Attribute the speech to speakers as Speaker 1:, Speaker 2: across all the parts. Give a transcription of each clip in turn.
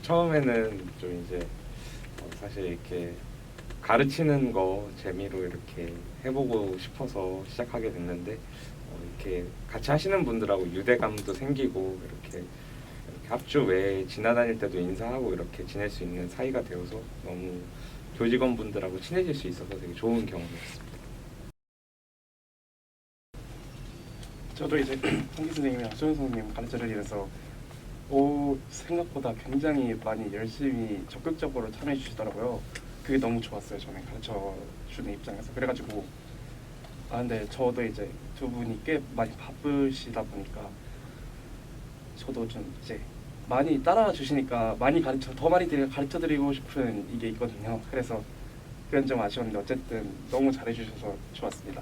Speaker 1: 처음에는 좀 이제 사실 이렇게 가르치는 거 재미로 이렇게 해보고 싶어서 시작하게 됐는데 이렇게 같이 하시는 분들하고 유대감도 생기고 이렇게 합주 외에 지나다닐 때도 인사하고 이렇게 지낼 수 있는 사이가 되어서 너무 교직원분들하고 친해질 수 있어서 되게 좋은 경험이었습니다.
Speaker 2: 저도 이제 홍기 선생님이랑 수현 선생님 가르쳐를 인해서 생각보다 굉장히 많이 열심히 적극적으로 참여해 주시더라고요. 그게 너무 좋았어요. 저는 가르쳐 주는 입장에서. 그래가지고 근데 저도 이제 두 분이 꽤 많이 바쁘시다 보니까 저도 좀 이제 많이 따라와 주시니까 더 많이 가르쳐 드리고 싶은 이게 있거든요. 그래서 그건 좀 아쉬웠는데 어쨌든 너무 잘해 주셔서 좋았습니다.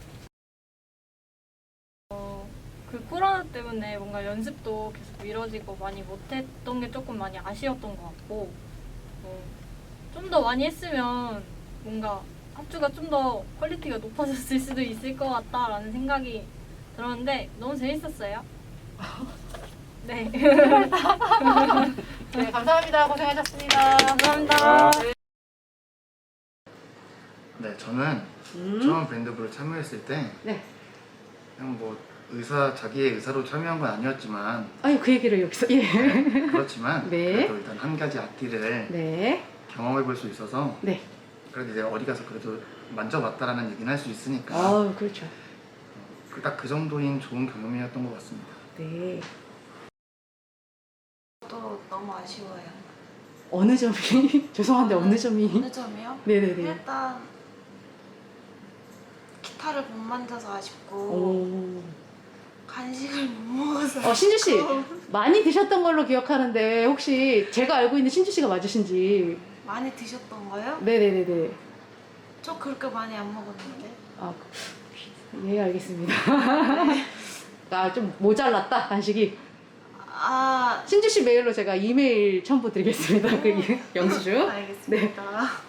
Speaker 3: 그 코로나 때문에 뭔가 연습도 계속 미뤄지고 많이 못했던 게 조금 많이 아쉬웠던 것 같고 좀 더 많이 했으면 뭔가 합주가 좀 더 퀄리티가 높아졌을 수도 있을 것 같다라는 생각이 들었는데 너무 재밌었어요. 네.
Speaker 4: 네, 감사합니다. 고생하셨습니다.
Speaker 3: 감사합니다.
Speaker 5: 네, 저는 처음 밴드부를 참여했을 때
Speaker 4: 네.
Speaker 5: 그냥 뭐 자기의 의사로 참여한 건 아니었지만
Speaker 4: 아유, 그 얘기를 여기서. 예.
Speaker 5: 그렇지만
Speaker 4: 네.
Speaker 5: 그래도 일단 한 가지 악기를
Speaker 4: 네.
Speaker 5: 경험해 볼 수 있어서
Speaker 4: 네.
Speaker 5: 그래도 이제 어디 가서 그래도 만져봤다라는 얘기는 할 수 있으니까
Speaker 4: 그렇죠.
Speaker 5: 딱 그 정도인 좋은 경험이었던 것 같습니다.
Speaker 4: 네.
Speaker 6: 또 너무 아쉬워요.
Speaker 4: 어느 점이? 죄송한데 어느 점이?
Speaker 6: 어느 점이요?
Speaker 4: 네네네.
Speaker 6: 일단 기타를 못 만져서 아쉽고
Speaker 4: 오.
Speaker 6: 간식을 못 먹어서
Speaker 4: 신주 씨 많이 드셨던 걸로 기억하는데 혹시 제가 알고 있는 신주 씨가 맞으신지?
Speaker 6: 많이 드셨던 거요?
Speaker 4: 네네네네.
Speaker 6: 저 그렇게 많이 안 먹었는데.
Speaker 4: 예, 알겠습니다. 좀 모자랐다 간식이. 신주 씨 메일로 제가 이메일 첨부 드리겠습니다. 그 영수증.
Speaker 6: 알겠습니다.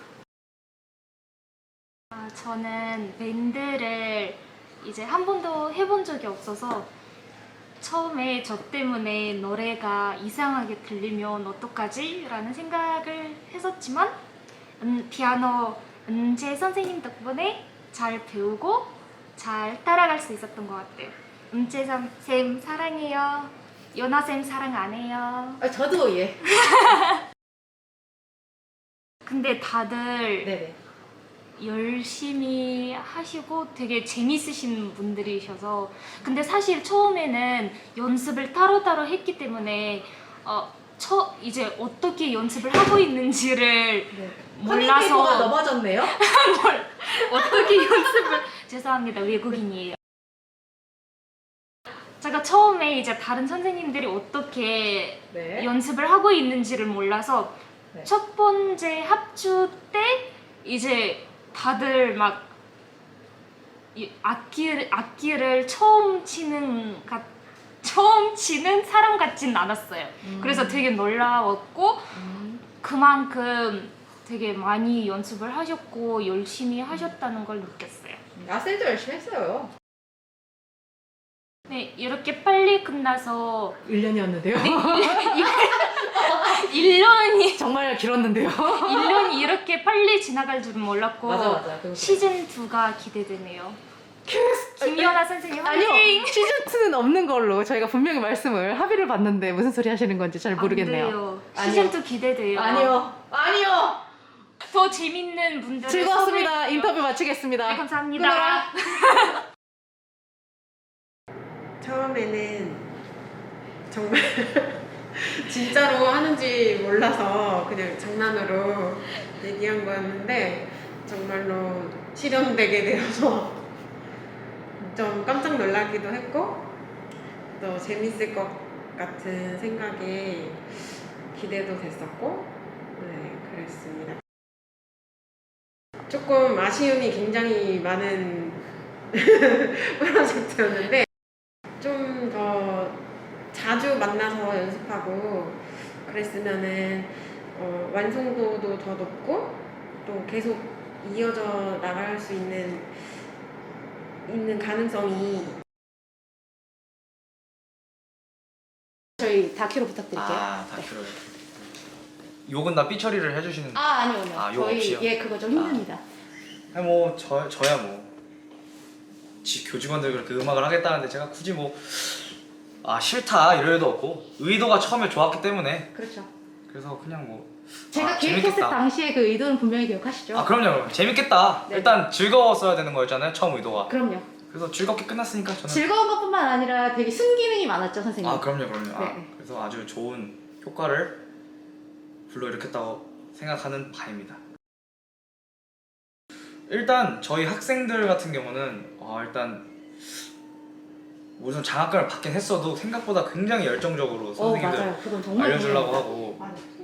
Speaker 7: 저는 밴드를 이제 한 번도 해본 적이 없어서 처음에 저 때문에 노래가 이상하게 들리면 어떡하지? 라는 생각을 했었지만 피아노 은재 선생님 덕분에 잘 배우고 잘 따라갈 수 있었던 것 같아요. 은재 쌤 사랑해요. 연아 쌤 사랑 안 해요.
Speaker 4: 저도 예.
Speaker 7: 근데 다들
Speaker 4: 네네.
Speaker 7: 열심히 하시고 되게 재밌으신 분들이셔서 근데 사실 처음에는 연습을 따로따로 했기 때문에 이제 어떻게 연습을 하고 있는지를 몰라서
Speaker 4: 넘어졌네요.
Speaker 7: 어떻게 연습을 죄송합니다 외국인이에요. 제가 처음에 이제 다른 선생님들이 어떻게
Speaker 4: 네.
Speaker 7: 연습을 하고 있는지를 몰라서
Speaker 4: 네.
Speaker 7: 첫 번째 합주 때 이제 다들 막 악기를 처음 치는 사람 같진 않았어요. 그래서 되게 놀라웠고 그만큼 되게 많이 연습을 하셨고 열심히 하셨다는 걸 느꼈어요.
Speaker 4: 쌤도 열심히 했어요.
Speaker 7: 네, 이렇게 빨리 끝나서
Speaker 4: 1년이었는데요.
Speaker 7: 1년이
Speaker 4: 정말 길었는데요.
Speaker 7: 1년이 이렇게 빨리 지나갈 줄은 몰랐고
Speaker 4: 맞아.
Speaker 7: 시즌 2가 기대되네요. 김연아 선생님
Speaker 4: 아니요,
Speaker 7: 화이팅!
Speaker 4: 시즌2는 없는 걸로 저희가 분명히 합의를 봤는데 무슨 소리 하시는 건지 잘 모르겠네요.
Speaker 7: 안 돼요.
Speaker 4: 아니요.
Speaker 7: 시즌 2 기대돼요.
Speaker 4: 아니요.
Speaker 7: 더 재밌는 분들
Speaker 4: 즐거웠습니다. 인터뷰 마치겠습니다.
Speaker 7: 네, 감사합니다.
Speaker 8: 처음에는 정말 진짜로 하는지 몰라서 그냥 장난으로 얘기한 거였는데 정말로 실현되게 되어서 좀 깜짝 놀라기도 했고 또 재밌을 것 같은 생각에 기대도 됐었고 그랬습니다. 조금 아쉬움이 굉장히 많은 프로젝트였는데 좀 더 자주 만나서 연습하고 그랬으면은 완성도도 더 높고 또 계속 이어져 나갈 수 있는 가능성이.
Speaker 4: 저희 다큐로 부탁드릴게요.
Speaker 5: 다큐를
Speaker 9: 욕은 다 삐처리를 해주시는.
Speaker 4: 아니요.
Speaker 9: 아, 욕
Speaker 4: 저희
Speaker 9: 없이요?
Speaker 4: 예 그거 좀 힘듭니다.
Speaker 9: 아니 뭐 저야 뭐 교직원들 그렇게 음악을 하겠다는데 제가 굳이 뭐 싫다 이럴 일도 없고 의도가 처음에 좋았기 때문에
Speaker 4: 그렇죠.
Speaker 9: 그래서 그냥 뭐
Speaker 4: 제가 기획했을
Speaker 9: 재밌겠다.
Speaker 4: 당시에 그 의도는 분명히 기억하시죠?
Speaker 9: 그럼요 재밌겠다.
Speaker 4: 네.
Speaker 9: 일단 즐거웠어야 되는 거였잖아요 처음 의도가.
Speaker 4: 그럼요.
Speaker 9: 그래서 즐겁게 끝났으니까 저는.
Speaker 4: 즐거운 것뿐만 아니라 되게 순기능이 많았죠 선생님.
Speaker 9: 그럼요.
Speaker 4: 네.
Speaker 9: 그래서 아주 좋은 효과를 불러일으켰다고 생각하는 바입니다. 일단 저희 학생들 같은 경우는 일단 무슨 장학금을 받긴 했어도 생각보다 굉장히 열정적으로 선생님들
Speaker 4: 맞아요. 그건 정말
Speaker 9: 알려주려고
Speaker 4: 중요합니다.
Speaker 9: 하고
Speaker 4: 맞아요.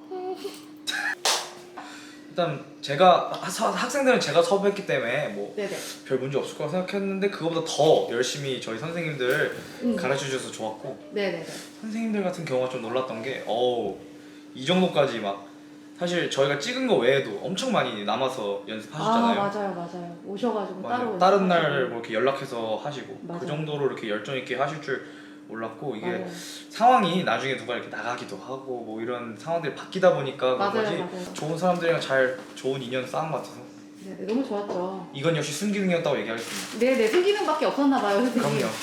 Speaker 9: 일단 제가 학생들은 제가 섭외했기 때문에 뭐
Speaker 4: 네네.
Speaker 9: 별 문제 없을 거라고 생각했는데 그거보다 더 열심히 저희 선생님들 가르쳐 주셔서 좋았고
Speaker 4: 네네네.
Speaker 9: 선생님들 같은 경우가 좀 놀랐던 게 이 정도까지 막 사실 저희가 찍은 거 외에도 엄청 많이 남아서 연습하셨잖아요.
Speaker 4: 맞아요. 오셔가지고
Speaker 9: 맞아요.
Speaker 4: 따로
Speaker 9: 다른
Speaker 4: 연습하시고.
Speaker 9: 날 뭐 이렇게 연락해서 하시고
Speaker 4: 맞아요.
Speaker 9: 그 정도로 이렇게 열정 있게 하실 줄 몰랐고 이게
Speaker 4: 맞아요.
Speaker 9: 상황이 나중에 누가 이렇게 나가기도 하고 뭐 이런 상황들이 바뀌다 보니까 그런 거지
Speaker 4: 맞아요.
Speaker 9: 좋은 사람들이랑 잘 좋은 인연 쌓은 것 같아서
Speaker 4: 네네. 너무 좋았죠.
Speaker 9: 이건 역시 순기능이었다고 얘기하겠습니다.
Speaker 4: 네네. 순기능밖에 없었나봐요 선생님.
Speaker 9: 그럼요.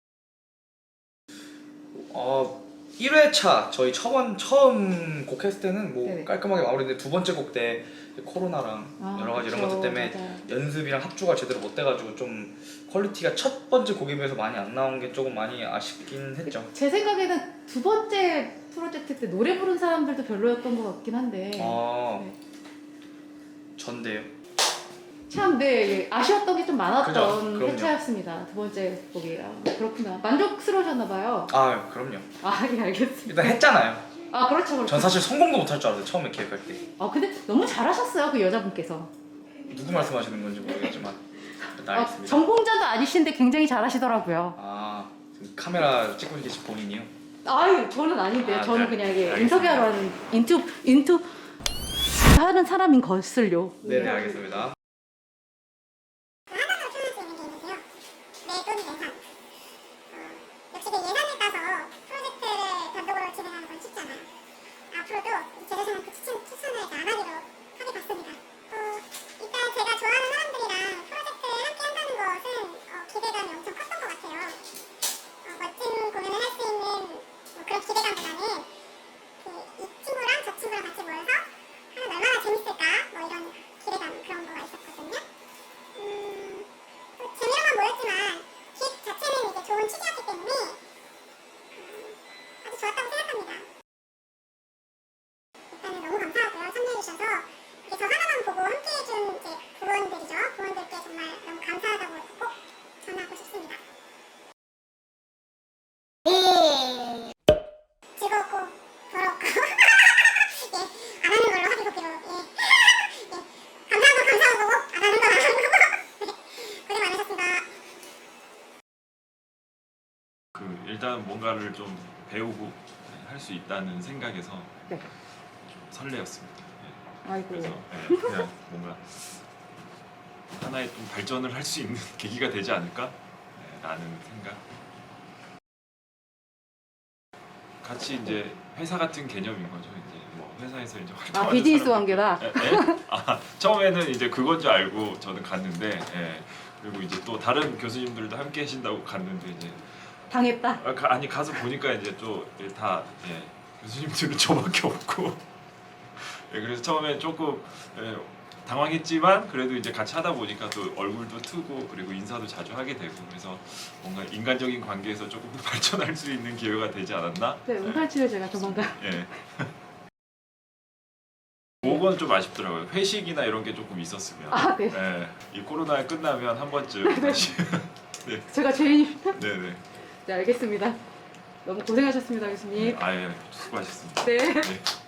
Speaker 9: 1회차 저희 처음 곡 했을 때는 뭐
Speaker 4: 네네.
Speaker 9: 깔끔하게 마무리했는데 두 번째 곡 때 코로나랑 여러 가지 이런 것들 때문에
Speaker 4: 맞아요.
Speaker 9: 연습이랑 합주가 제대로 못 돼가지고 좀 퀄리티가 첫 번째 곡에 비해서 많이 안 나온 게 조금 많이 아쉽긴 했죠.
Speaker 4: 제 생각에는 두 번째 프로젝트 때 노래 부른 사람들도 별로였던 것 같긴 한데 네.
Speaker 9: 전데요.
Speaker 4: 참 아쉬웠던 게 좀 많았던
Speaker 9: 그죠, 그럼요.
Speaker 4: 회차였습니다. 두 번째 곡이 그렇구나. 만족스러우셨나봐요.
Speaker 9: 그럼요.
Speaker 4: 예 알겠습니다.
Speaker 9: 일단 했잖아요.
Speaker 4: 그렇죠.
Speaker 9: 전 사실 성공도 못할 줄 알았어요 처음에 기획할 때.
Speaker 4: 근데 너무 잘하셨어요 그 여자분께서.
Speaker 9: 누구 말씀하시는 건지 모르겠지만 일단 알겠습니다.
Speaker 4: 전공자도 아니신데 굉장히 잘하시더라고요.
Speaker 9: 지금 카메라 찍고 계신 본인이요?
Speaker 4: 저는 아닌데요. 저는
Speaker 9: 네.
Speaker 4: 그냥 이게
Speaker 9: 알겠습니다.
Speaker 4: 인터뷰하러 하는 인투 하는 사람인 것을요.
Speaker 9: 네네 알겠습니다.
Speaker 10: 역시 그 예산을 따서 프로젝트를 단독으로 진행하는 건 쉽지 않아요. 앞으로도 제대로 그 추천을 안 하기로 하게 봤습니다. 일단 제가 좋아하는 사람들이랑 프로젝트를 함께 한다는 것은 기대감이 엄청 컸던 것 같아요. 멋진 공연을 할 수 있는 그런 기대감보다는 이 친구랑 저 친구랑 같이 모여서 하면 얼마나 재밌을까 뭐 이런 기대감 그런 거가 있었거든요. 재미로만 모였지만 기획 자체는 이제 좋은 취지였기 때문에 아주 좋았다고 생각합니다. 일단은 너무 감사하고요. 참여해주셔서 이게 저 하나만 보고 함께해준 이제 부원들이죠. 부원들께 정말 너무 감사하다고 꼭 전하고 싶습니다. 네. 즐겁고 더럽고 안 하는 걸로 하기로 감사한 거고 안 하는 건 안 하는 거고 고생 많으셨습니다.
Speaker 11: 일단 뭔가를 좀 배우고 할 수 있다는 생각에서
Speaker 4: 네.
Speaker 11: 좀 설레었습니다.
Speaker 4: 아이고.
Speaker 11: 그래서 그냥 뭔가 하나의 좀 발전을 할 수 있는 계기가 되지 않을까 라는 생각. 같이 이제 회사 같은 개념인 거죠. 이제 뭐 회사에서 이제 활동하는
Speaker 4: 비즈니스
Speaker 11: 사람들.
Speaker 4: 관계다.
Speaker 11: 처음에는 이제 그건 줄 알고 저는 갔는데 그리고 이제 또 다른 교수님들도 함께 하신다고 갔는데 이제
Speaker 4: 당했다.
Speaker 11: 아니 가서 보니까 이제 또 다 교수님들은 저밖에 없고 그래서 처음에 조금 당황했지만 그래도 이제 같이 하다 보니까 또 얼굴도 트고 그리고 인사도 자주 하게 되고 그래서 뭔가 인간적인 관계에서 조금 더 발전할 수 있는 기회가 되지 않았나?
Speaker 4: 네, 운팔치를 제가 조만간.
Speaker 11: 그건 좀 아쉽더라고요. 회식이나 이런 게 조금 있었으면.
Speaker 4: 네.
Speaker 11: 이 코로나 끝나면 한 번쯤 다시. 네.
Speaker 4: 제가 죄인입니다.
Speaker 11: 네네.
Speaker 4: 네, 알겠습니다. 너무 고생하셨습니다, 교수님.
Speaker 11: 아예 수고하셨습니다.
Speaker 4: 네.
Speaker 11: 네.